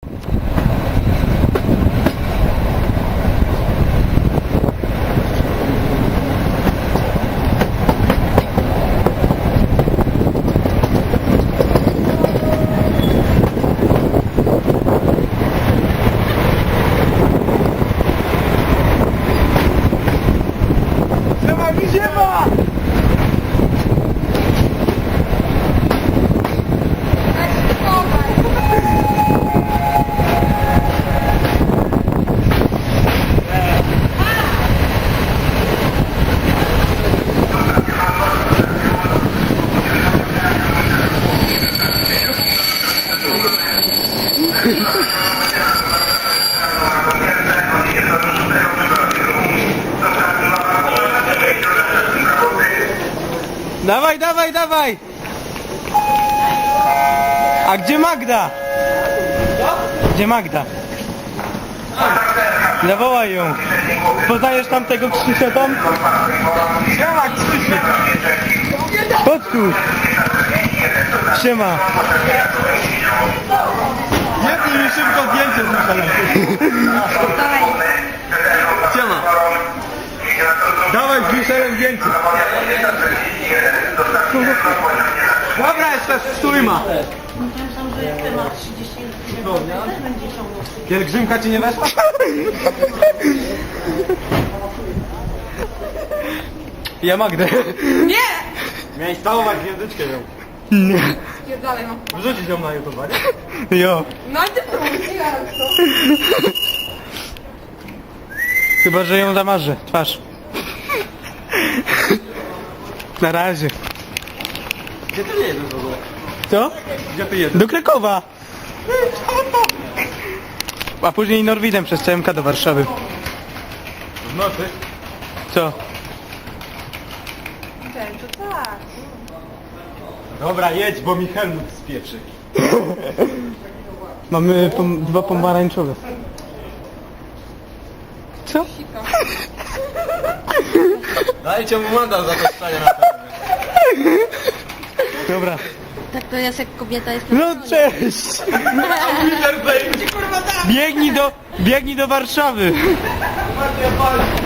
Dawaj, dawaj, dawaj! A gdzie Magda? Gdzie Magda? Zawołaj ją. Poznajesz tamtego Krzysia tam? Siema, Krzysiu! Chodź tu! Siema! Jednij mi szybko zdjęcie z Michalem. Siema! Dawaj z Michalem zdjęcie! Dobra, jeszcze stójma! Pielgrzymka ci nie weszła? Ja Magdę. Nie! Miałeś całować gwiazdeczkę ją. Nie. Spierdalaj, no. Wrzucić ją na YouTube, nie? Jo. No ale ty próbuj, ja co? Chyba, że ją zamarzę. Twarz. Na razie. Gdzie ty jedziesz w ogóle? Co? Gdzie ty jedziesz? Do Krakowa. A później Norwidem przez CMK do Warszawy. W nocy? Co? Ten, to tak. Dobra, jedź, bo mi Helmut spieprzy. Mamy dwa pomarańczowe. Co? Dajcie mu mandat za to stanie na terenie. Dobra. Tak to jest jak kobieta jest... No cześć! Biegnij do Warszawy!